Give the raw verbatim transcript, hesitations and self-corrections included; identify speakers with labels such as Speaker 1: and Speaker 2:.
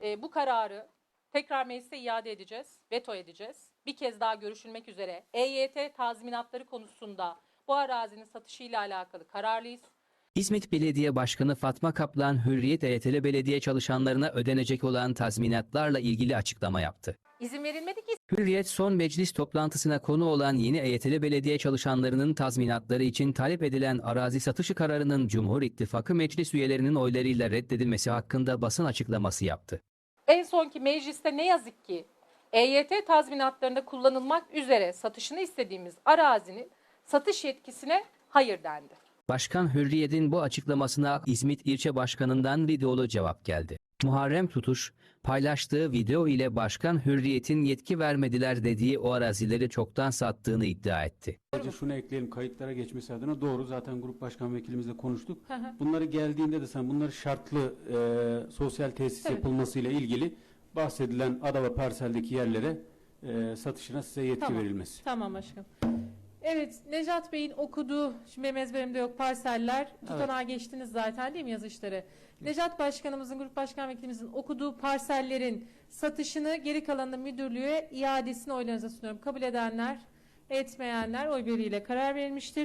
Speaker 1: e, bu kararı tekrar meclise iade edeceğiz, veto edeceğiz. Bir kez daha görüşülmek üzere E Y T tazminatları konusunda bu arazinin satışıyla alakalı kararlıyız.
Speaker 2: İzmit Belediye Başkanı Fatma Kaplan, Hürriyet E Y T'li belediye çalışanlarına ödenecek olan tazminatlarla ilgili açıklama yaptı.
Speaker 1: İzin verilmedi ki.
Speaker 2: Hürriyet son meclis toplantısına konu olan yeni E Y T'li belediye çalışanlarının tazminatları için talep edilen arazi satışı kararının Cumhur İttifakı meclis üyelerinin oylarıyla reddedilmesi hakkında basın açıklaması yaptı.
Speaker 1: En sonki mecliste ne yazık ki E Y T tazminatlarında kullanılmak üzere satışını istediğimiz arazinin satış yetkisine hayır dendi.
Speaker 2: Başkan Hürriyet'in bu açıklamasına İzmit İlçe Başkanı'ndan videolu cevap geldi. Muharrem Tutuş, paylaştığı video ile Başkan Hürriyet'in yetki vermediler dediği o arazileri çoktan sattığını iddia etti.
Speaker 3: Sadece şunu ekleyelim, kayıtlara geçmesi adına doğru, zaten grup başkan vekilimizle konuştuk.
Speaker 1: Hı hı.
Speaker 3: Bunları geldiğinde de sen bunları şartlı e, sosyal tesis
Speaker 1: Evet.
Speaker 3: yapılmasıyla ilgili bahsedilen ada ve parseldeki yerlere e, satışına size yetki
Speaker 4: Tamam.
Speaker 3: verilmesi.
Speaker 4: Tamam aşkım. Evet, Necat Bey'in okuduğu, şimdi benim ezberimde yok, parseller, tutanağa geçtiniz zaten değil mi yazışları? Necat Başkanımızın, Grup Başkan Vekilimizin okuduğu parsellerin satışını geri kalanını müdürlüğe iadesini oylarınıza sunuyorum. Kabul edenler, etmeyenler oy birliğiyle karar verilmiştir.